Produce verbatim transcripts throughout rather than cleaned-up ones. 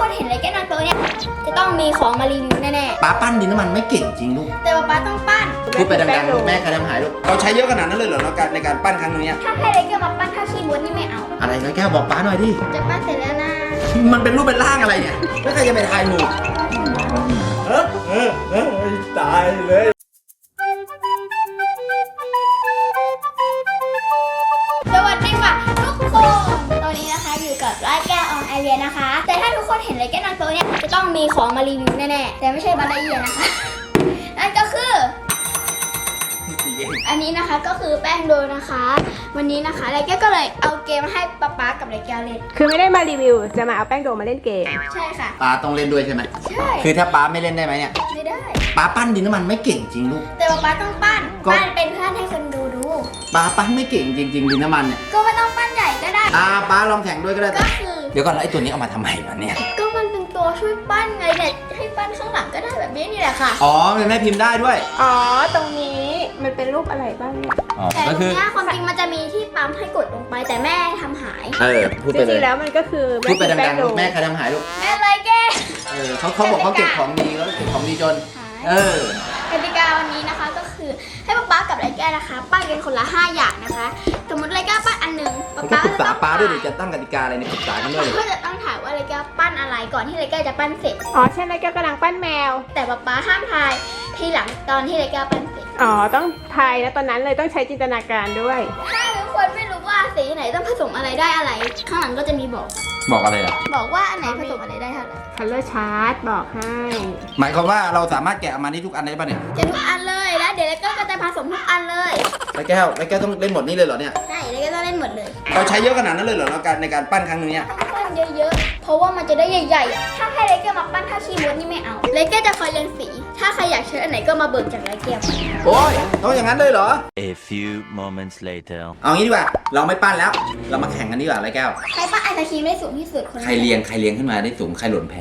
คนเห็นอะไรแก้นางโตเนี่ยจะต้องมีของมารีวิวแน่ๆป้าปั้นดินน้ำมันไม่เก่งจริงลูกแต่ว่าป้าต้องปั้นพูดไปดังๆลูกแม่ใครทำหายลูกเราใช้เยอะขนาดนั้นเลยเหรอในการในการปั้นครั้งนี้ถ้าให้อะไรแก้มาปั้นถ้าขี้มดนี่ไม่เอาอะไรนะแก้วบอกป้าหน่อยดิจะปั้นเสร็จแล้วนะมันเป็นรูปเป็นร่างอะไรเนี่ยแล้วใครจะไปทายถูกเออเออเออตายเลยสวัสดีค่ะทุกคนตอนนี้นะคะอยู่กับร้านแก้วออนไอเรียนะคะ แต่ถ้าทุกคนเห็นอะไรแก้นางโตเนี่ยจะต้องมีของมารีวิวแน่ๆแต่ไม่ใช่บาลาเอียนะคะนั่นก็คือ อันนี้นะคะก็คือแป้งโดนะคะ วันนี้นะคะไรแก้วก็เลยเอาเกมให้ป๊าป๊ากับไรแก้วเล่นคือไม่ได้มารีวิวจะมาเอาแป้งโดมาเล่นเกมใช่ค่ะป้าต้องเล่นด้วยใช่ไหมใช่คือถ้าป้าไม่เล่นได้ไหมเนี่ยไม่ได้ป้าปั้นดินน้ำมันไม่เก่งจริงลูกแต่ว่าป๊าต้องปั้นก็ปั้นเป็นเพื่อนให้คนดูดูป้าปั้นไม่เก่งจริงๆดินน้ำมันเนี่ยก็ไม่ต้องปั้นใหญ่ก็ได้อ่าป้าลองแข่งด้วยก็ได้ก็คือเดี๋ยวก่อนแล้วไอ้ตัวนี้เอามาทำไมวะเนี่ยก็มันเป็นตัวช่วยปั้นไงเนี่ยให้ปั้นข้างหลังก็ได้แบบนี้นี่แหละค่ะอ๋อเป็นแม่พิมพ์ได้ด้วยอ๋อตรงนี้มันเป็นรูปอะไรบ้างเนี่ยอ๋อแต่ก็ตรคืงอเนี้ยความจริงมันจะมีที่ปั๊มให้กดลงไปแต่แม่ทำหายเออพูดจไปเลริยงๆแล้วมันก็คือพูดไปแป้ดังงโดๆลูกแม่ใครทำหายลูกแม่ไรแกเออเขาเขาบอกเขาเก็บของดีเขาเก็บของดีจนหายเออกติกาวันนี้นะคะก็คือให้ป๊าป๊ากับไรแก้นะคะ ปั้นกันคนละห้าอย่างนะคะ สมมติไรแก้ปั้นอันหนึ่งมันก็ปรึกษาป้าด้วยดิจะตั้งกติกาอะไรเนี่ยปรึกษากันด้วยก็จะต้องถามว่าไรแก้ปั้นอะไรก่อนที่ไรแก้จะปั้นเสร็จอ๋อใช่แล้วแกกำลังปั้นแมวแต่ป๊าป๊าห้ามทายทีหลังตอนที่ไรแก้ปั้นเสร็จอ๋อต้องทายนะตอนนั้นเลยต้องใช้จินตนาการด้วยถ้าทุกคนไม่รู้ว่าสีไหนต้องผสมอะไรได้อะไร ข้างหลังก็จะมีบอกบอกอะไรอ่ะบอกว่าอันไหนผสมอะไรได้เท่าไหร่ color chart บอกให้หมายความว่าเราสามารถแกะออกมาได้ทุกอันได้ป่ะเนี่ยจะทุกอันเลยแล้วเดี๋ยวไรแก้ก็จะผสมทุกอันเลยแล้วแก้วแล้วแก้วต้องเล่นหมดนี้เลยเหรอเนี่ยใช่ไรแก้ต้องเล่นหมดเลยเราใช้เยอะขนาดนั้นเลยเหรอในการในการปั้นครั้งนี้ต้องปั้นเยอะๆ เพราะว่ามันจะได้ใหญ่ๆ ถ้าให้ไรแก้มาปั้นถ้าขี้มดนี่ไม่เอาไรแก้จะคอยเรียนสี ถ้าใครอยากใช้อันไหนก็มาเบิกจากไรแก้โอ้ยต้องอย่างนั้นเลยเหรอ A few moments later. เอางี้ดีกว่าเราไม่ปั้นแล้ว เรามาแข่งกันดีกว่าไรแก้วใครปั้นไอศครีมได้สูงที่สุดคนนั้นใครเรียงใครเรียงขึ้นมาได้สูงใครหล่นแพ้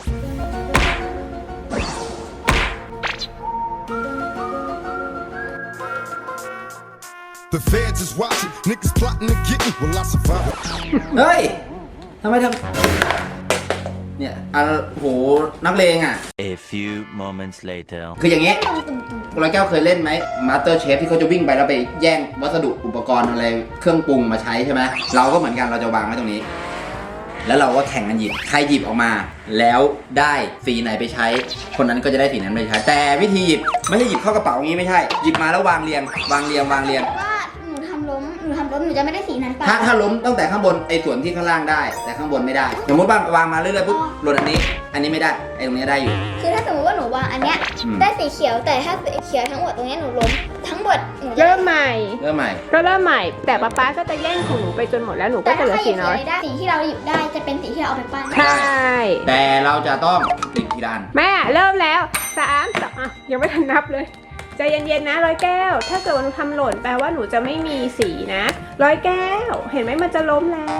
The feds is watching, niggas plotting to get me. Will I survive? เฮ้ยทำไมทำเนี่ยอ่ะโหนักเลงอ่ะ A few moments later. คืออย่างงี้คุณแก้วเคยเล่นไหมมาสเตอร์เชฟที่เขาจะวิ่งไปแล้วไปแย่งวัสดุอุปกรณ์อะไรเครื่องปรุงมาใช้ใช่ไหมเราก็เหมือนกันเราจะวางไว้ตรงนี้ แล้วเราก็แข่งกันหยิบใครหยิบออกมา แล้วได้สีไหนไปใช้ คนนั้นก็จะได้สีนั้นไปใช้ แต่วิธีหยิบไม่ใช่หยิบเข้ากระเป๋าอย่างนี้ไม่ใช่หยิบมาแล้ววางเรียง วางเรียงวางเรียงว่าหนูทำล้มหนูทำล้มหนูจะไม่ได้สีนั้นไปถ้าถ้าล้มตั้งแต่ข้างบนไอ้ส่วนที่ข้างล่างได้ แต่ข้างบนไม่ได้สมมติว่าวางมาเรื่อยๆปุ๊บหล่นอันนี้ อันนี้ไม่ได้ไอ้ตรงนี้ได้อยู่คือถ้าสมมติว่าหนูวางอันเนี้ยอืมได้สีเขียวแต่ถ้าสีเขียวทั้งหมดตรงเนี้ยหนูล้มทั้งหมดหนูจะเริ่มใหม่เริ่มใหม่ก็เริ่มใหม่ แต่ป๊าป๊าก็จะแย่งของหนูไปจนหมดแล้วหนูก็แต่จะถ้าเหลือใครหสียิบสีน้ออะยไรได้สีที่เราหยิบได้จะเป็นสีที่เราเอาไปปั้นใช่แต่เราจะต้องหยิบทีละอันแม่เริ่มแล้วสามสองอ่ะยังไม่ทันนับเลยใจเย็นๆนะร้อยแก้ว ถ้าเกิดว่าหนูทำหล่นแปลว่าหนูจะไม่มีสีนะร้อยแก้ว เห็นไหมมันจะล้มแล้ว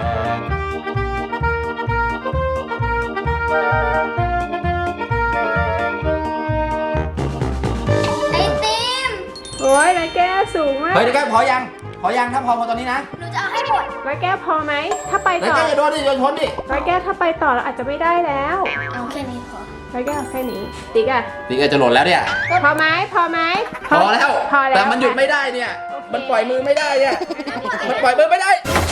ไอติมโอ้ยร้อยแก้วสูงมากเฮ้ยเดี๋ยวแก้วพอยังพอยังถ้าพอพอตอนนี้นะหนูจะเอาให้หมดร้อยแก้วพอไหมถ้าไปแล้วต่อแก้วอย่าโดนดิโดนชนดิร้อยแก้วถ้าไปต่อเราอาจจะไม่ได้แล้วเอาแค่นี้พอร้อยแก้วแค่นี้ติ๊กอะนี่แกจะหล่นแล้วเนี่ยพอไหมพอไหมพอแล้วพอแล้วแต่มันหยุดไม่ได้เนี่ย มันปล่อยมือไม่ได้เนี่ย มันปล่อยมือไม่ได้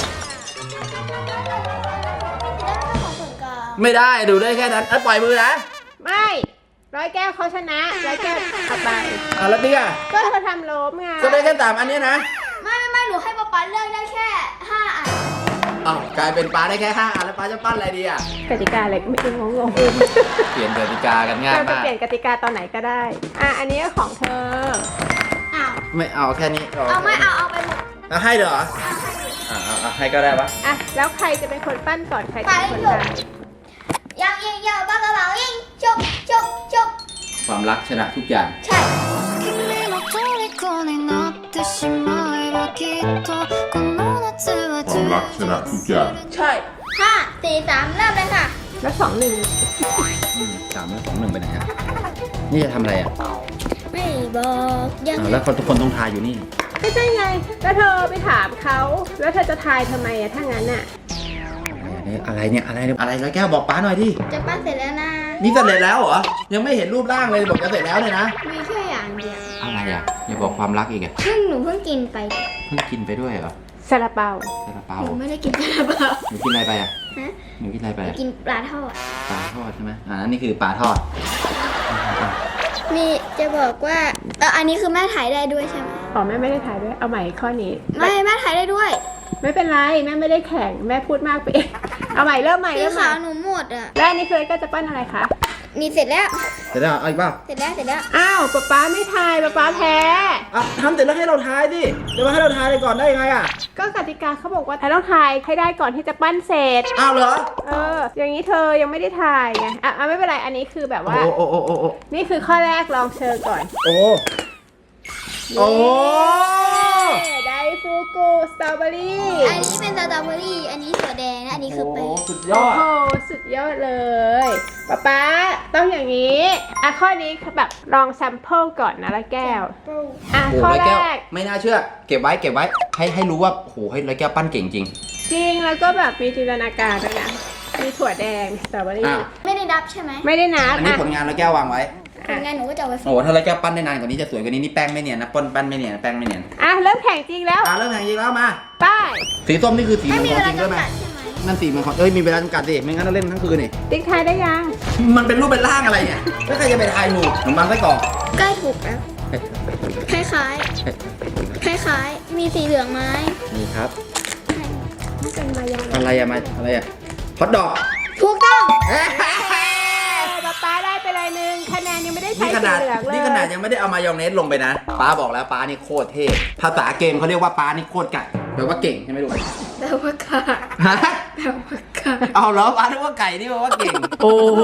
ของส่วนกลางไม่ได้ดูได้แค่นั้นแล้วปล่อยมือนะไม่ร้อยแก้วเขาชนะร้อยแก้วเอาไปอ่ะแล้วนี่อ่ะก็เธอทำล้มไงก็ได้แค่สามอันเนี้ยนะไม่ไม่ไม่หนูให้ป๊าป๊าเลือกได้แค่ห้าอันอ้าวกลายเป็นปลาได้แค่ห้าอันแล้วปลาจะปั้นอะไรดีอ่ะกติกาอะไรไม่รู้งงเปลี่ยนกติกากันง่ายเราจะมากเปลี่ยนกติกาตอนไหนก็ได้ อ่ะอันนี้ของเธออ้าวไม่เอาแค่นี้เอาไม่เอาเอาไปหมดเอาให้เหรอเอาให้หมดอ่าเอาให้ก็ได้ปะอ่ะแล้วใครจะเป็นคนปั้นก่อนใครจะเป็นคนตามยังยิงยาวบ้ากระเป๋ายิงจบจบจบความรักชนะทุกอย่างใช่君の虜になってしまえばきっとこの夏は充実するใช่ห้าสี่สามเริ่มเลยค่ะแล้วสองหนึ่งอืมสามแล้วสองหนึ่งไปไหนอ่ะนี่จะทำอะไรอ่ะไม่บอกยังอ้าวแล้วคนทุกคนต้องทายอยู่นี่ไม่ใช่ไงแล้วเธอไปถามเขาแล้วเธอจะทายทำไมอะถ้างั้นอะทเนี่ยอะไรเนี่ยอะไรเนี่ยอะไรร้อยแก้วบอกป้าหน่อยดิจะปั้นเสร็จแล้วนะนี่เสร็จแล้วเหรอยังไม่เห็นรูปร่างเลยบอกจะเสร็จแล้วเลยนะมีแค่อย่างเดียวอะไรอ่ะอย่าบอกความรักอีกอ่ะเพิ่งหนูเพิ่งกินไปเพิ่งกินไปด้วยเหรอซาลาเปาซาลาเปาหนูไม่ได้กินซาลาเปาหนูกินอะไรไปอ่ะฮะหนูกินอะไรไปหนูอ่ะกินปลาทอดปลาทอดใช่ไหมอ่านี่คือปลาทอดมีจะบอกว่าเอออันนี้คือแม่ถ่ายได้ด้วยใช่ไหมอ๋อแม่ไม่ได้ถ่ายด้วย เอาใหม่ข้อนี้ไม่แม่ถ่ายได้ด้วยไม่เป็นไรแม่ไม่ได้แข่งแม่พูดมากไปเองเอาใหม่เริ่มใหม่สีเริ่มใหม่ขาวหนูหมดอ่ะแล้วอันนี้คือก็จะปั้นอะไรคะมีเสร็จแล้วเสร็จแล้วเอาอีกเปล่าเสร็จแล้วเสร็จแล้วอ้าวป๊าป๊าไม่ทายป๊าป๊าแพ้อ่ะทำเสร็จแล้วให้เราทายดิเดี๋ยวมาให้เราทายเลยก่อนได้ยังไงอ่ะก็กติกาเขาบอกว่าต้องทายให้ได้ก่อนที่จะปั้นเสร็จอ้าวเหรอเออ อย่างนี้เธอยังไม่ได้ทายไง อ่ะอ่ะไม่เป็นไร อันนี้คือแบบว่าโอ้โอ้โอ้โอ้โอ้นี่คือข้อแรกลองเชิญก่อนโอ้โอ้ไดฟูกุสตรอเบอรี่อันนี้เป็นสตรอเบอรี่อันนี้ถั่วแดงและอันนี้คือแป้งสุดยโอ้อดโห สุดยอดเลยป๊าป๊าต้องอย่างนี้ อ่ะข้อนี้แบบลองแซมเปิลก่อนนะละแก้ว อ่ะโอ้ข้อร้อยแรแก้วกไม่น่าเชื่อ เก็บไว้เก็บไว้ให้ให้รู้ว่าโอ้โหให้ร้อยแก้วปั้นเก่งจริงจริงแล้วก็แบบมีจินตนาการด้วยนะ มีถั่วแดงสตรอเบอรี่อ้าวไม่ได้ดับใช่ไหมไม่ได้นับอันนี้อ่ะผลงานร้อยแก้ววางไว้ผลงานหนูก็จะเอาไปโอ้โหถ้าร้อยแก้วปั้นได้นานกว่านี้จะสวยกว่านี้นี่แป้งไม่เนียนนะปั้นปั้นไม่เนียนแป้งไม่เนียนอ่ะเริ่มแข่งจริงแล้วอ่าเริ่มแข่งจริงแล้วมาไป้ายสีส้มนี่คือสีไม่มังมีกเวรลาจริงด้วยไหมจำกัดใช่ไหมนั่นสีมังกรเอ้ยมีเวลาจำกัดดิไม่งั้นเราเล่นทั้งคืนนี่ติ๊กทายได้ยังมันเป็นรูปเป็นร่างอะไรเนี่ยแล้วใครจะไปทายถูกขนมปังไส้กรอกใกล้ถูกแล้ว คล้ายๆ คล้ายๆ มีสีเหลืองไหมนี่ครับนี่เป็นมายาอะไรอะมาอะไรอะฮอทดอกถูกต้องป๊าป๊าได้ไปเลยหนึ่งคะแนนยังไม่ได้ใช้นี่ขสีนาดเหลืองเลยนี่ขนาดยังไม่ได้เอามายองเนสลงไปนะป้าบอกแล้วป้านี่โคตรเท่ภาษาเกมเขาเรียกว่าป้านี่โคตรไก่แปลว่าเก่งใช่ไหมลูกแปลว่าค่ะฮะแปลว่าค่ะเอาเหรอป้านึกว่าไก่นี่แปลว่าเก่งโอ้โห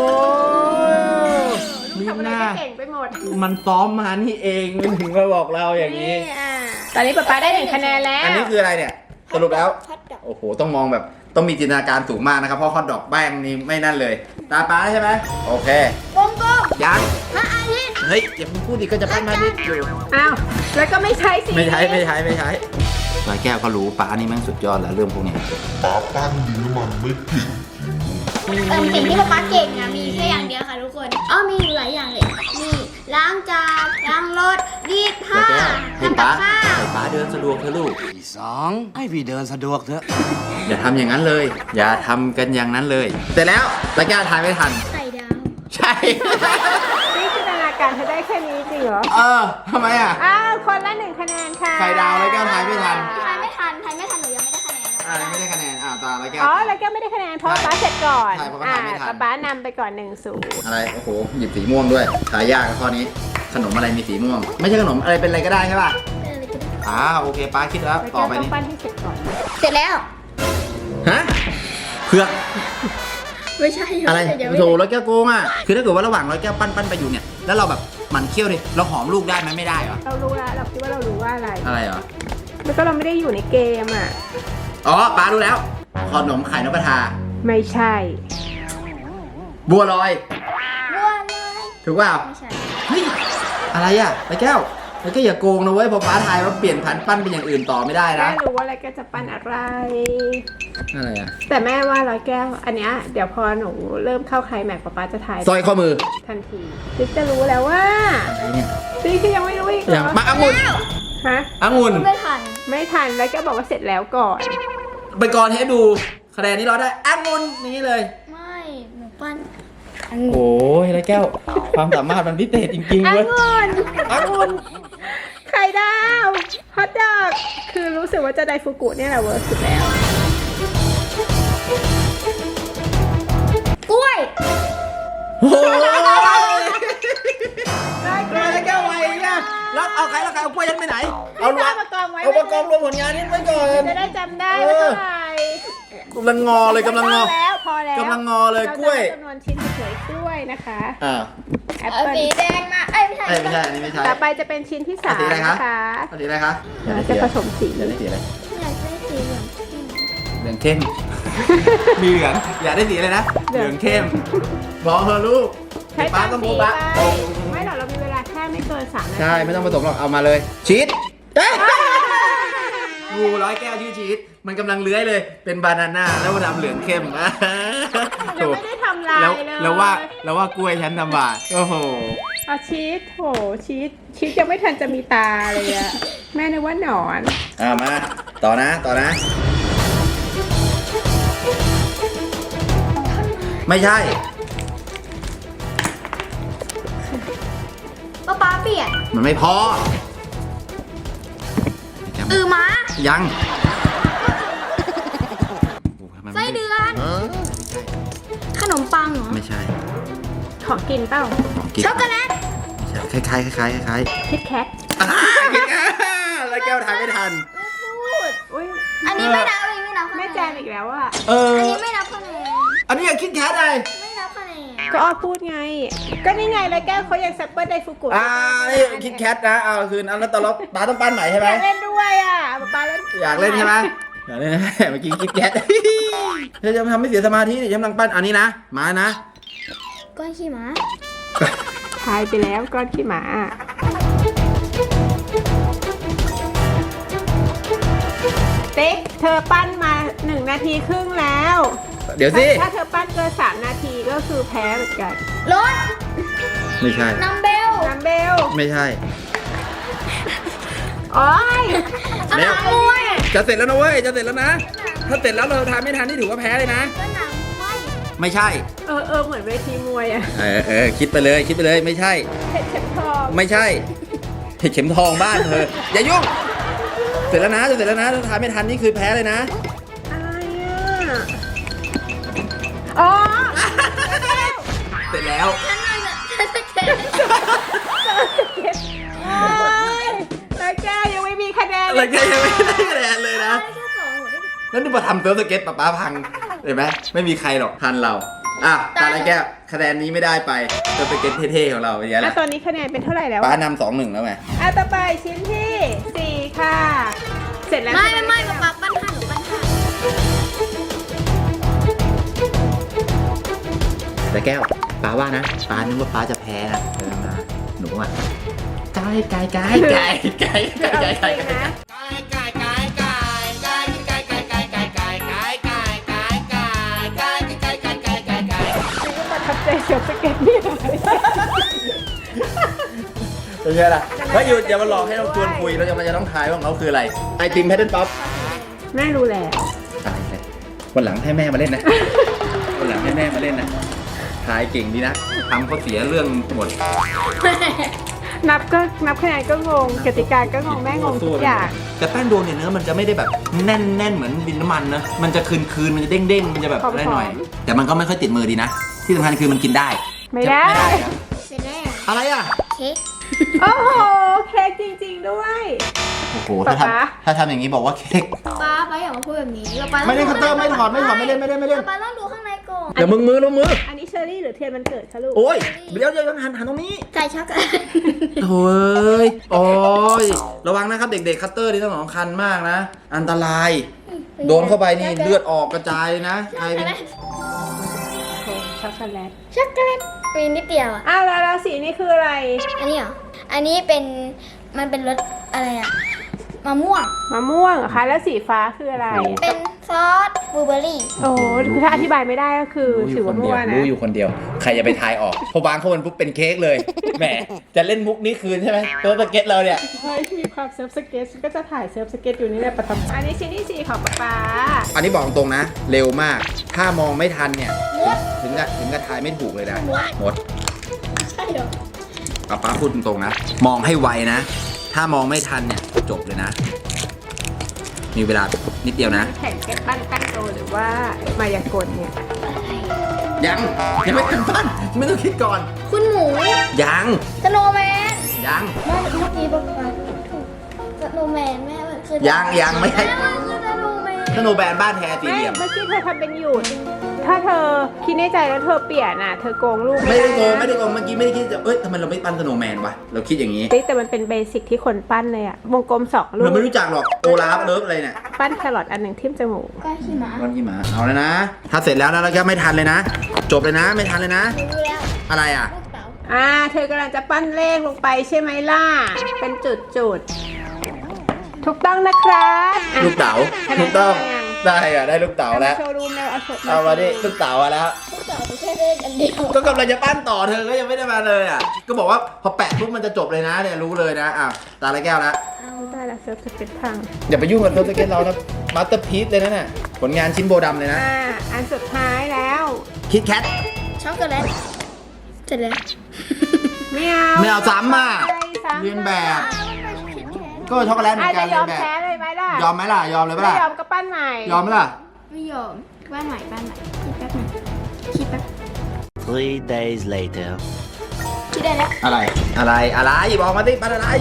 ลูกทำอะไรก็เก่งไปหมดมันซ้อมมานี่เองมันถึงมาบอกเราอย่างนี้อ่ะตอนนี้ป๊าป๊าได้หนึ่งคะแนนแล้วอันนี้คืออะไรเนี่ยสรุปแล้วฮอตดอกโอ้โหต้องมองแบบต้องมีจินตนาการสูงมากนะครับเพราะฮอทดอกแป้งนี่ไม่นั่นเลย ตาป้าใช่ไหมโอเคกลมยังๆพระอาทิตย์เฮ้ยอย่าเพิ่งพูดดิก็จะปั้นมาดิอยู่อ้าวแล้วก็ไม่ใช้สีไม่ใช้ไม่ใช้ไม่ใช้ร้อยแก้วก็รู้ป้านี่แม่งสุดยอดแล้วเรื่องพวกเนี้ยป้าปั้นดินน้ำมันไม่ผิดเออสิ่งที่ป๊าป๊าเก่งนะมีแค่อย่างเดียวค่ะทุกคนอ๋อมีอยู่หลายอย่างเลยมีล้างจานล้างรถรีดผ้าร้อยแก้วให้ทำกับป้าข้าวให้ป้าเดินสะดวกเถอะลูกที่สองให้พี่เดินสะดวกเถอะอย่าทำอย่างนั้นเลย อย่าทำกันอย่างนั้นเลยเสร็จแล้วร้อยแก้วทานไม่ทันไข่ดาวใช่นี่จินตนาการเธอได้แค่นี้จริงเหรอเออทำไมอ่ะอ้าวคนละหนึ่งคะแนนค่ะไข่ดาวร้อยแก้วทายไม่ทันทายไม่ทันทายไม่ทันหนูยังไม่ได้คะแนนอ่าไม่ได้คะแนนอ่าตาร้อยแก้วอ๋อแล้วก็ไม่ได้คะแนนเพราะว่าป๊าเสร็จก่อนใช่เพราะว่าอ่าทำไม่ทันป๊าป๊านำไปก่อนหนึ่งศูนย์อะไรโอ้โหหยิบสีม่วงด้วยทายยากข้อนี้ ขนมอะไรมีสีม่วง ไม่ใช่ขนมอะไรเป็นอะไรก็ได้ใช่ป่ะอ่าโอเคป้าคิดแล้วแล้วต่ก็อไปต้องนี่ปั้นให้เสร็จก่อนเสร็จแล้วฮะเผือกไม่ใช่อะไรเดี๋ยวไม่โถร้อยแก้วโกงอ่ะคือถ้าเกิดว่าระหว่างร้อยแก้วปั้นปั้นไปอยู่เนี่ยแล้วเราแบบหมันเคี้ยวดิเราหอมลูกได้ไหมไม่ได้เหรอเรารู้แล้วเราคิดว่าเรารู้ว่าอะไรอะไรเหรอแล้วก็เราไม่ได้อยู่ในเกมอ่ะอ๋อป้ารู้แล้วขนมไข่นกกระทาไม่ใช่บัวลอยบัวเลยถูกเปล่าไม่ใช่เฮ้ยอะไรอ่ะร้อยแก้วแล้วก็อย่าโกงนะเว้ยพอป้าทายว่าเปลี่ยนพันปั้นเป็นอย่างอื่นต่อไม่ได้แม่นะรู้ว่าอะไรก็จะปั้นอะไรอะไรอ่ะแต่แม่ว่าร้อยแก้ว อันเนี้ยเดี๋ยวพอหนูเริ่มเข้าใครแม็กป๊าป๊าจะถ่ายสร้อยข้อมือทันทีติ๊กจะรู้แล้วว่าอะไรเนี่ยติ๊กก็ยังไม่รู้อีกเหรอย่างอมาองุ่นฮะองุ่นไม่ทันไม่ทันแล้วก็บอกว่าเสร็จแล้วก่อนไปก่อนให้ดูคะแนนนี้เราได้องุ่นนี้เลยไม่หนูปั้นโอ้ยร้อยแก้ว ความสามารถมันพิเศษจริงๆอัเว้ยงุ่นองุ่นไข่ดาวฮอตดอกคือรู้สึกว่าจะไดฟูกุเนี่ยแหละเวิร์กสุดแล้วกล้วยโอ้ยได้ร้อยแก้วไวเนี่ยแล้วเอาใครแล้วใครเอากล้วยยันไปไหน เอารวเอามมากองไว้เอามากองรวมผลงานนี้ไว้ก่อนจะได้จำได้ว่าเท่าไหร่กำลังงอเลยกำลังงอพอแล้วพอแล้วกำลังงอเลยกล้วยเราจะจำนวนชิ้นสวยๆกล้วยนะคะอ่าแอปเอาเปิ้ลสีแดงมา เอ้ยไม่ใช่เอ้ยไม่ใช่อันนี้ไม่ใช่ต่อไปจะเป็นชิ้นที่สามสีอะไรคะนะคะเอาสีอะไรคะเราจะผสมสีอยากได้สีอะไรอยากได้สีเหลืองเหลืองเข้ม มีเหลืองอยากได้สีอะไรนะ เหลืองเข้มบอกเธอะลูกใช้ป้าตามต้องสีพูดไปป้าไม่หรอกเรามีเวลาแค่ไม่เกินสามนาทีใช่ไม่ต้องผสมหรอกเอามาเลยชีส งูร้อยแก้วชื่อชีสมันกำลังเลื้อยเลย เป็นบานาน่าแล้วมันดำเหลืองเข้มยังไม่ได้ทำลายแล้วเลยแล้วว่าแล้วว่ากล้วยฉันทำบาปโอ้โหเอาชีสโหชีสชีสยังไม่ทันจะมีตาเลยอะแม่นึกว่าหนอนอ่ามา ต่อนะ ต่อนะ ไม่ใช่ป๊าป๊าเปลี่ยนมันไม่พออือม้ายังไส้เดือน ขนมปังเหรอไม่ใช่ของกินเปล่าของกินช็อกโกแลตคล้ายๆคล้ายๆคล้ายคิดแคทๆอ่าแล้วแก้วทานไม่ทันอุ้ยอันนี้ไม่นับอันนี้ไม่นับคะแนแม่นแจมอีกแล้วอะเอออันนี้ไม่นับคะแนนอันนี้อยากคิดแคทเลยไม่นับคะแนนก็อ้อพูดไง ก็นี่ไงแล้วแก้วเขายังแซปเปอร์ไดฟุกุอ่านี่คิดแคทนะ เอาคืนอันแล้วตอนเราป้าต้องปั้นใหม่ใช่ไหอมยากเล่นด้วยอ่ะป๊าเล่นอยากเล่นใช่ไหมอยากเล่นนะเมื่อกี้คิดแคท เธอจะทำให้เสียสมาธิฉันกำลังปั้นอันนี้นะ มานะก้อนขี้หมาทายไปแล้วก้อนขี้หมาติ๊กเธอปั้นมาหนึ่งนาทีครึ่งแล้วเดี๋ยวสิถ้าเธอปั้นเกินสามนาทีก็คือแพ้เหมือนกันรถไม่ใช่นัมเบลน้ำเบลไม่ใช่โอ้ยสนามมวยจะเสร็จแล้วนะเว้ย จะเสร็จแล้วนะ ถ้าเสร็จแล้วเราทานไม่ทันนี่ถือว่าแพ้เลยนะสนามมวยไม่ใช่เออเออเหมือนเวทีมวยอะเออเออคิดไปเลย คิดไปเลย ไม่ใช่เพชรเข็มทองไม่ใช่เห็ดเข็มทองบ้านเธอ อย่ายุ่ง เสร็จแล้วนะจะเสร็จแล้วนะ ถ้าทานไม่ทันนี่คือแพ้เลยนะอะไรอ่ะอ๋อเสร็จแล้วฉันน่าจะฉันจะเก็บโอ้ยแล้วแกยังไม่มีคะแนนอะไรแกยังไม่ได้คะแนนเลยนะได้แค่สองหมดได้แล้วนี่มาทำเซิร์ฟสเก็ตป๊าป๊าพัง เห็นไหมไม่มีใครหรอกทันเรา อ่ะตาอะไรแก้วคะแนนนี้ไม่ได้ไปเซิร์ฟสเก็ตเท่ๆของเราอย่างเงี้ยแหแล้วละตอนนี้คะแนนเป็นเท่าไหร่แล้วป๊าอะนำสองหนึ่งแล้วไงอ่ะต่อไปชิ้นที่สี่ค่ะ เสร็จแล้วไม่ใช่หไม่ไม่ป๊าป๊าปั้นห้าหนูปั้นห้าแต่แก้วป๊าว่านะป๊านึกว่าป๊าจะแพ้นะเออมาหนูอ่ะไก่ไก่ไก่ไก่ไก่ไก่เอาไก่จไก่ริงนะประทับใจเสียวสเก็ตเนี่ยเป็นไงล่ะเฮ้ยหยุดอย่ามาหลอกให้เราชวนคุยเราจะมาจะต้องทายว่าของเขาคืออะไรไอติมแพทเทิร์นป๊อปแม่รู้แล้วตายเลยวันหลังให้แม่มาเล่นนะ วันหลังให้แม่มาเล่นนะทายเก่งดีนะทำเขาเสียเรื่องหมดนับก็นับคะแนนก็งงกติกาก็งงแม่งงทุกอย่างแต่แป้งโดนเนี่ยเนื้อมันจะไม่ได้แบบแน่นแน่นเหมือนดินน้ำมันนะมันจะคืนคืนมันจะเด้งเด้งมันจะแบบอะไรหน่อย แต่มันก็ไม่ค่อยติดมือดีนะ ที่สำคัญคือมันกินได้ไม่ได้ไม่ได้เหรอเสร็จแล้วอะไรอ่ะเค้กโอ้โหเค้กจริงๆด้วยโอ้โหถ้าป๊าป๊าทำถ้าทำอย่างนี้บอกว่าเค้กป๊าป๊าอย่ามาพูดแบบนี้ป๊าไม่เล่นคัตเตอร์ไม่ถอดไม่ถอดไม่เล่นไม่เล่นไม่เล่นป๊าต้องดูข้างในก่อนเดี๋ยวมึงมือลงมืออันนี้เชอรี่หรือเทียนมันเกิดคะลูกโอ้ยเดี๋ยวเดี๋ยวหันหันตรงนี้ใส่ช็อกโกแลตโอ้ยโอ้ยระวังนะครับเด็กๆคัตเตอร์นี่ต้องสำคัญมากนะ อันตราย โดนเข้าไปนี่เลือดออกกระจายเลยนะใครเป็นช็อกโกแลตช็อกโกแลตมีนิดเดียวอ่ะอ้าวแล้วแล้วสีนี่คืออะไรอันนี้เหรอ อันนี้เป็นมันเป็นรสอะไรอ่ะมะม่วงมะม่วงเหรอคะแล้วสีฟ้าคืออะไรเป็นซอสบลูเบอร์รี่โอ้โหคือถ้าอธิบายไม่ได้ก็คือรู้อถืยู่อคว่านเดีมั่ยววนะรู้อยู่คนเดียว ใครจะไปทายออกพอวางเข้ามันปุ๊บเป็นเค้กเลยแหมจะเล่นมุกนี้คืนใช่ไหมตัวสเก็ตเราเนี่ยเฮ้ยมีความเซิร์ฟสเก็ตก็จะถ่ายเซิร์ฟสเก็ตอยู่นี่แหละประทับอันนี้ชิ้นที่สี่ของป๊าป๊าอันนี้บอกตรงนะ เร็วมาก ถ้ามองไม่ทันเนี่ยถึงกับถึงกับทายไม่ถูกเลยนะหมดใช่เหรอป้าป้าพูดตรงๆนะ มองให้ไวนะ ถ้ามองไม่ทันเนี่ยจบเลยนะ มีเวลานิดเดียวนะแข่งแก้ปั้นปั้นโตหรือว่ามายากลเนี่ยยังยังไม่ทันปั้นไม่ต้องคิดก่อนคุณหมูยังสโนว์แมนยังไม่เมื่อกี้บอกว่าถูกสโนว์แมนแม่มันคือยังยังไม่ใช่แม่มันคือสโนว์แมนขนมแบรนด์บ้านแท้สี่ไม่เหลี่ยมเมื่อกี้เธอทำเป็นหยุด ถ้าเธอคิดในใจแล้วเธอเปลี่ยนอ่ะ เธอโกงลูกไม่ได้โกงนะไม่ได้โกงเมื่อกี้ไม่ได้คิดจะเอ้ยทำไมเราไม่ปั้นสโนว์แมนวะเราคิดอย่างนี้เฮ้ยแต่มันเป็นเบสิกที่คนปั้นเลยอ่ะ วงกลมสองลูเรากไม่รู้จักหรอกโอลาฟเลิฟอะไรเนี่ยปั้นแครอทอันหนึ่งทิ่มจมูกก้อนขี้หมาก้อนขี้หมาเอาเลยนะ ถ้าเสร็จแล้วนะแล้วก็ไม่ทันเลยนะ จบเลยนะ ไม่ทันเลยนะรู้แล้วอะไรอ่ะลูกเต๋าอ่า เธอกำลังจะปั้นเลขลงไปใช่ไหมล่ะ เป็นจุดจุดๆโถถูกต้องนะครับอ่ะลูกเต๋าคะแนนถูกต้องคะแนนได้อะได้ลูกเต๋าแล้วโชว์รูมแล้วเอาโชว์เอามาดิลูกเต๋ามาแล้วพวกเราแค่เล่นอันเดียวก็กำลังจะปั้นต่อเธอก็ยังไม่ได้มาเลยอ่ะ ก็บอกว่าพอแปะปุ๊บมันจะจบเลยนะเนี่ยรู้เลยนะอ่ะตาละแก้วแล้วได้แล้วเซิร์ฟสเก็ตพังอย่าไปยุ่งกับเทอร์สเก็ตเรานะมาสเตอร์พีซเลยนะเนี่ยผลงานชิ้นโบดำเลยนะอ่าอันสุดท้ายแล้วคิดแคทช็อกโกแลตเสร็จแล้วไม่เอาไม่เอาซ้ำอ่ะไม่ซ้ำเรียนแบบ ก็ช็อกโกแลตเหมือาอจนกัจะนยเรีอย มนแบบแพ้เลยไหมล่ะยอมไหมล่ะยอมเลยปะไม่ล่ะยอมก็ปั้นใหม่ยอมไหมล่ะไม่ยอมบ้านใหม่บ้านใหม่คิดแป๊บหนึงคิดแป๊บ Three days later. คิดได้แล้วอะไรอะไรอะไรบอกมาดิปั้นอะไร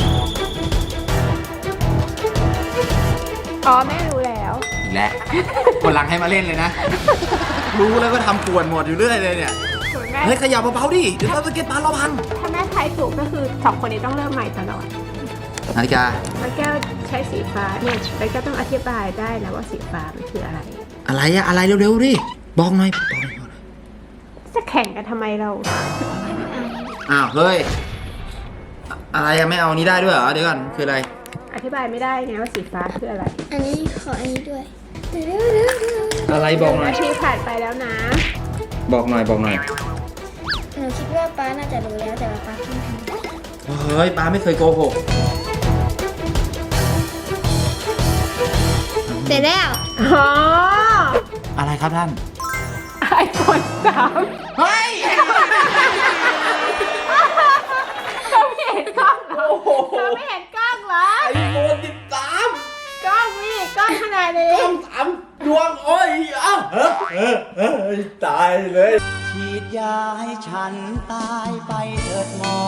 อ๋อแม่รู้แล้วอีกแล้วคนหลังให้มาเล่นเลยนะ รู้แล้วก็ทำป่วนหมดอยู่เรื่อยเลยเนี่ยส่วนแม่เฮ้ยขยับเบาๆดิเดี๋ยวเราสเก็ตปาเราพังถ้าแม่ทายถูกก็คือสองคนนี้ต้องเริ่มใหม่ตลอดนาฬิกาแล้วแก้วใช้สีฟ้าเนี่ยแล้วแก้วต้องอธิบายได้นะว่าสีฟ้ามันคืออะไรอะไรอะอะไรเร็วๆดิบอกหน่อยบอกหน่อยบอกหน่อยจะแข่งกันทำไมเราอ้าวเฮ้ยอะไรอะไม่เอานี้ได้ด้วยเหรอเดี๋ยวก่อนคืออะไรอธิบายไม่ได้ไงว่าสีฟ้าคืออะไรอันนี้ขออันนี้ด้วยอะไรบอกหน่อยนาทีผ่านไปแล้วนะบอกหน่อยบอกหน่อยหนูคิดว่าป้าน่าจะรู้แล้วแต่ว่าป้าไม่ทำเฮ้ยป้าไม่เคยโกหกเสร็จแล้วอ๋ออะไรครับท่านไอโฟนสามเฮ้ยเราไม่เห็นกล้องเหรอเราไม่เห็นกล้องเหรอไอโฟนสิบสามกล้องนี่กล้องขนาดนี้ต้องสามดวงโอ้ยอ้าวเฮ้ยเฮ้ยเฮ้ยตายเลยฉีดยาให้ฉันตายไปเถิดหมอ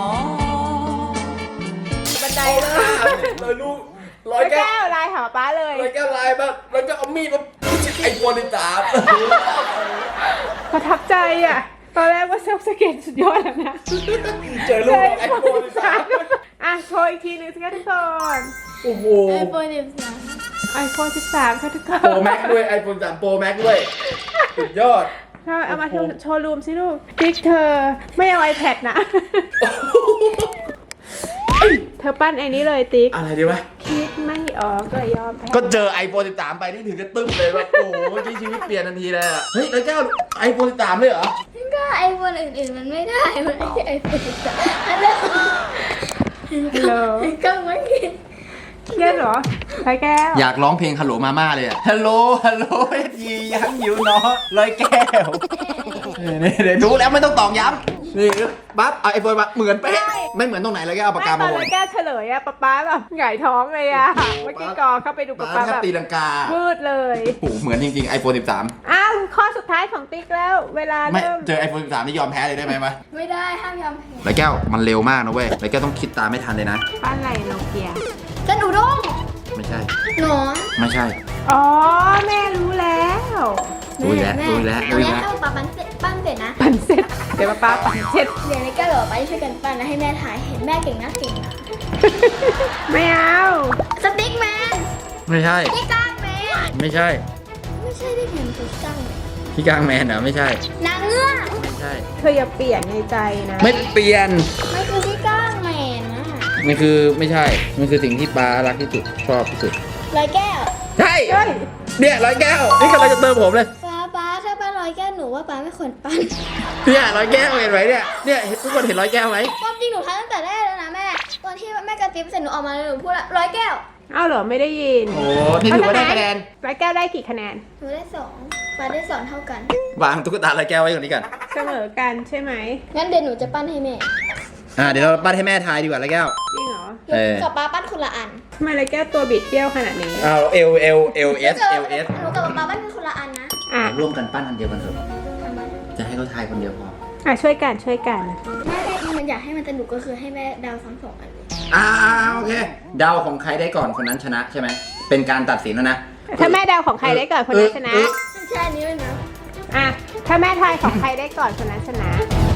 บันไดเลยเลยลูกร้ร้ออย ยแก้แก้ววลายหาป้าเลยร้อยแก้วลายมาแล้วก็เอามีดมาไอโฟนสิบสามประทับใจอ่ะ ตอนแรกว่าเซลฟ์สเก็ตสุดยอดแล้วนะเจอลูกไอโฟนสิบสามอ่ะโชว์อีกทีหนึงสิคะทุกคนโอ้โหไอโฟนสิบสามไอโฟนสิบสามค่ะทุกคนโปรแม็กด้วยไอโฟนสามโปรแม็กด้วยสุดยอดเอาเอามาโชว์โชว์รูมสิลูกติ๊กเธอไม่เอา iPad นะ เธอปั้นไอ้นี้เลยติ๊กอะไรดีวะคิดไม่ออกก็ยอมแพ้ก็เจอ ไอโฟนสิบสาม ไปนี่ถึงจะตึ้มเลยว่าโอ้โหเมื่อกี้ชีวิตเปลี่ยนทันทีเลยอะเฮ้ยแล้วแก้ว ไอโฟนสิบสามเลยเหรอก็ไอโฟนอื่นๆมันไม่ได้ มันไม่ใช่ไอโฟนสิบสามอันนั้นฮัลโหลก็ไม่กินเครียดเหรอร้อยแก้วอยากร้องเพลงฮัลโหลมาม่าเลยอะฮัลโหลฮัลโหลเอทียังอยู่เนาะร้อยแก้วนี่เดี๋ยวรู้แล้วไม่ต้องตอกย้ำนี่ปั๊บเอาไอโฟนมาเหมือนเป๊ะไม่เหมือนตรงไหนเลยแก้วเอาปากกาไม่ตมาอนวร้อง ยแก้วเฉลยอะป๊าป๊าแบบหงายท้องเลยอะเมื่อกี้กอเข้าไปดูป๊าป้าป๊าแทแบบ บตีลังกามืดเลยโอ้โหเหมือนจริงๆ ไอโฟนสิบสามอ้าวข้อสุดท้ายของติ๊กแล้ว เวลาไม่เริ่มเจอ ไอโฟนสิบสามนี่ยอมแพ้เลยได้ไหมวะไม่ได้ห้ามยอมแพ้ร้อยแก้วมันเร็วมากนะเว้ยร้อยแก้วต้องคิดตามไม่ทันเลยนะปั้นอะไรโนเกียกระหนูด้งไม่ใช่หนอนไม่ใช่อ๋อแม่รู้แล้วรู้อีกแล้วรู้อีกแล้วรู้อีกแล้วถ้าป๊าปั้นเสร็จปั้นเสร็จนะปั่นเสร็จเดี๋ยวป๊าป๊าปั่นเสร็จเดี๋ยวนี้ก็เหลือไปช่วยกันปั้นแล้วให้แม่ถ่ายเห็นแม่เก่งนะเก่งนะไม่เอาสติ๊กแมนไม่ใช่พี่ก้างแมนไม่ใช่ไม่ใช่ได้เห็นถูกจ้างพี่กางแมนเหรอไม่ใช่นางเงือกไม่ใช่เธออย่าเปลี่ยนในใจนะไม่เปลี่ยนไม่คือพี่ก้างแมนนะมันคือไม่ใช่ มันคือสิ่งที่ป้ารักที่สุดชอบที่สุดร้อยแก้วใช่เฮ้ยเนี่ยร้อยแก้ว นี่กำลังจะเติมผมเลยป้าป้าถ้าป้าร้อยแก้วหนูว่าป้าไม่ควรปั้นเนี่ยร้อยแก้วเห็นไหมเนี่ย เนี่ยทุกคนเห็นร้อยแก้วไหมความจริงหนูทำตั้งแต่แรกแล้วนะแม่ ตอนที่แม่กระติบเสร็จหนูออกมาเลยหนูพูดละร้อยแก้วเอ้าเหรอไม่ได้ยินโอ้นี่ถือว่าได้คะแนนร้อยแก้วได้กี่คะแนนหนูได้สองป้าได้สองเท่ากันวางตุ๊กตาร้อยแก้วไว้ก่อนนี้ก่อนเสมอกันใช่ไหมงั้นเดี๋ยวหนูจะปั้นให้แม่อ่าเดี๋ยวเราปั้นให้แม่ทายดีกว่าร้อยแก้วจริงเหรอหนูเออกับป้าปั้นคนละอันทำไมร้อยแก้วตัวบิดเบี้ยวขนาดนี้อ้าวเอลเอลเอลเอสเอลเอสหนูกับป้าปั้นคนละอันนะอ่ะร่วมกันปั้นอันเดียวกันเถอะทำไมจะให้เขาทายคนเดียวพออ่ะช่วยกันช่วยกันแม่ได้มันอยากให้มันสนุกก็คือให้แม่เดาวซ้ำสองอันเลยอ่าโอเคเดาของใครได้ก่อนคนนั้นชนะใช่ไหมเป็นการตัดสินแล้วนะถ้าแม่เดาของใครได้ก่อนคนนั้นชนะเออไม่ใช่อันนี้เลยนะอ่ะถ้าแม่ทายของใครได้ก่อนคนนั้นชนะ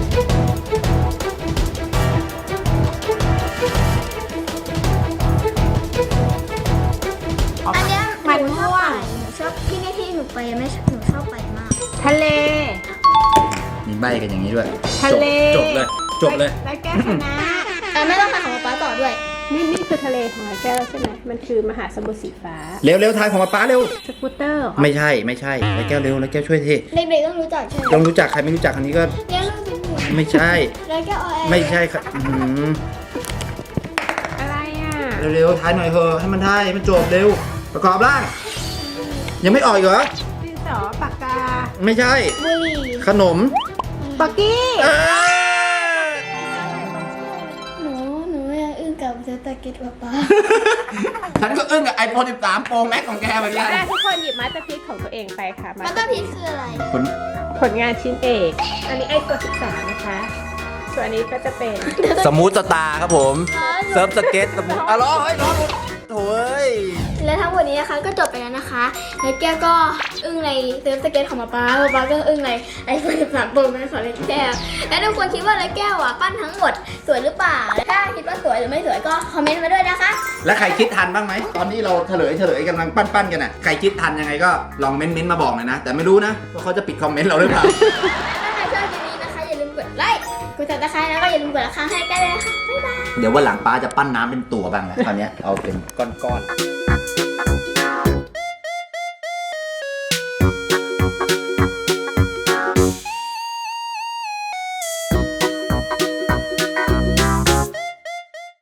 อันเนี้ยมันหนูชอบม่วไปงหนูชอบที่นี่ที่หนูไปแม่หนูชอบไปมากทะเลมีใบกันอย่างนี้ด้วยทะเลจบจบเลย จบเลยร้อยแก้วชนะแต่ไม่ต้องทำของป้าต่อด้วยอนี่นี่คือทะเลของร้อยแก้วใช่ไหมมันคือมหาสมุทรสีฟ้าเร็วเร็วทายของป๊าป๊าเร็วสกูตเตอร์เหรอไม่ใช่ไม่ใช่ร้อยแก้วเร็วร้อยแก้วช่วยทีเด็กๆต้องรู้จักใช่ไหมลองรู้จักใครไม่รู้จักคนนี้ก็เลี้ยงลูกเป็นหมูไม่ใช่แล้วก็เอาแอร์ไม่ใช่ครับอื้อหืออะไรอ่ะเร็วๆทายหน่อยเถอะให้มันทายให้มันจบเร็ว ประกอบร่าง ยังไม่ออกอีกเหรอดินสอปากกาไม่ใช่บุหรี่ขนมปักกี้เอ้ยหนูหนูยังอึ้งกับเซตเก็ตป๊าป๊าฉันก็อึ้งกับ ไอโฟน สิบสาม Pro Max ของแกเหมือนกันอ่ะทุกคนหยิบมาสเตอร์พีซของตัวเองไปค่ะมันก็พีชคืออะไรผลผลงานชิ้นเอก อันนี้ไอโฟนสิบสามนะคะ ส่วนอันนี้ก็จะเป็นสมูทสตาร์ครับผม เซิร์ฟสเก็ตสมูทอ่ะล้อเฮ้ยล้อหลุดโถ่เอ้ยและทั้งหมดนี้นะคะก็จบไปแล้วนะคะแล้วแก้วก็อึ้งในเซิร์ฟสเก็ตของป๊าป๊าป๊าป๊าก็อึ้งในไอโฟนสิบสามโปรแม็กซ์ของแก้วและทุกคนคิดว่าแล้วแก้วอ่ะปั้นทั้งหมดสวยหรือเปล่าถ้าคิดว่าสวยหรือไม่สวยก็คอมเมนต์มาด้วยนะคะแล้วใครคิดทันบ้างไหม ตอนที่เราเฉลยเฉลยกำลังปั้นๆกันอ่ะ ใครคิดทันยังไงก็ลองเม้นต์ๆมาบอกหน่อยนะ แต่ไม่รู้นะว่าเขาจะปิดคอมเมนต์เราหรือเปล่าถ้าใครชอบคลิปนี้นะคะอย่าลืมกดไลค์กดติดตามแล้วก็อย่าลืมกดละครั้งให้แก้วด้วยนะคะบ๊ายบายเดี๋ยววันหลังป้าจะปั้นน้ำเป็นตัวบ้างแหละคราวเนี้ยเอาเป็นก้อนๆ